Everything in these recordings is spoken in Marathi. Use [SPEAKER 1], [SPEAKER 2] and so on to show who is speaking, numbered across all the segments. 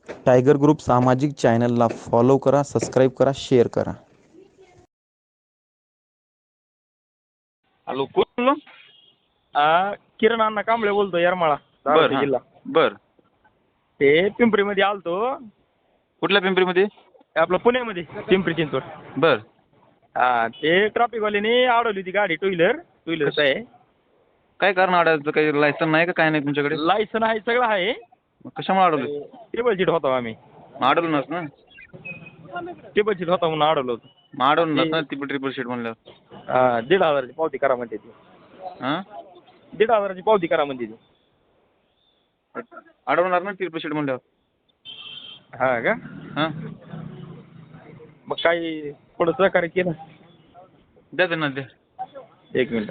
[SPEAKER 1] टायगर ग्रुप सामाजिक चॅनलला फॉलो करा, सबस्क्राईब करा, शेअर करा.
[SPEAKER 2] हॅलो कोण बोललो?
[SPEAKER 3] किरण अण्णा कांबळे बोलतो, येरमाळा
[SPEAKER 2] बर
[SPEAKER 3] धाराशिव
[SPEAKER 2] हां
[SPEAKER 3] जिल्हा.
[SPEAKER 2] बर.
[SPEAKER 3] ते पिंपरीमध्ये आलतो,
[SPEAKER 2] कुठल्या पिंपरीमध्ये?
[SPEAKER 3] आपलं पुण्यामध्ये पिंपरी चिंचवड.
[SPEAKER 2] बर.
[SPEAKER 3] ते ट्रॅफिकवाल्याने अडवली होती गाडी, टू व्हीलरच आहे.
[SPEAKER 2] काय कारण अडायचं? काही लायसन नाही का काय नाही तुमच्याकडे?
[SPEAKER 3] लायसन आहे, सगळं आहे.
[SPEAKER 2] मग कशामुळे अडवलं?
[SPEAKER 3] टेबल सीट होता आम्ही.
[SPEAKER 2] अडवलं नस ना?
[SPEAKER 3] टेबल सीट होता म्हणून अडवलं होतं.
[SPEAKER 2] मग अडवलं नस ना ती ट्रिपल शीट म्हणल्यावर?
[SPEAKER 3] 1,500ची पावती करा म्हणते ती.
[SPEAKER 2] हां
[SPEAKER 3] 1,500ची पावती करा म्हणते ती.
[SPEAKER 2] अडवणार ना ट्रिपल शीट म्हणल्यावर?
[SPEAKER 3] हा का?
[SPEAKER 2] हां
[SPEAKER 3] मग काही थोडं सहकार्य केलं.
[SPEAKER 2] द्या त्यांना द्या.
[SPEAKER 3] 1 मिनिट.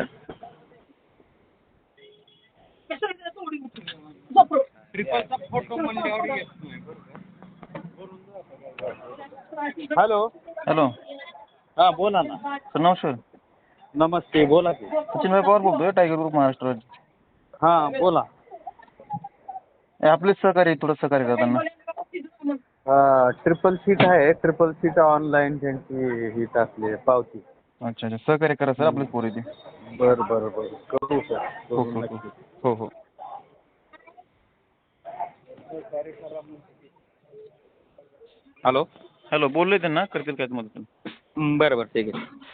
[SPEAKER 3] हॅलो.
[SPEAKER 2] हॅलो
[SPEAKER 3] हां बोला ना.
[SPEAKER 2] सर नमस्कार.
[SPEAKER 3] नमस्ते, बोला की.
[SPEAKER 2] सचिनभाई पवार बोलतोय, टायगर ग्रुप महाराष्ट्र.
[SPEAKER 3] हां बोला.
[SPEAKER 2] आपलेच सहकार्य, थोडं सहकार्य करताना.
[SPEAKER 3] ट्रिपल सीट आहे, ट्रिपल सीट ऑनलाईन त्यांची ही टाकली आहे पावती.
[SPEAKER 2] अच्छा अच्छा, सहकार्य करा सर, आपलेच पोरं ते.
[SPEAKER 3] बरं बरं बरं, करू सर.
[SPEAKER 2] हो हो हो हो हो.
[SPEAKER 3] हॅलो.
[SPEAKER 2] हॅलो बोललोय त्यांना, करतील काय मदत.
[SPEAKER 3] बरं बरं, ठीक आहे.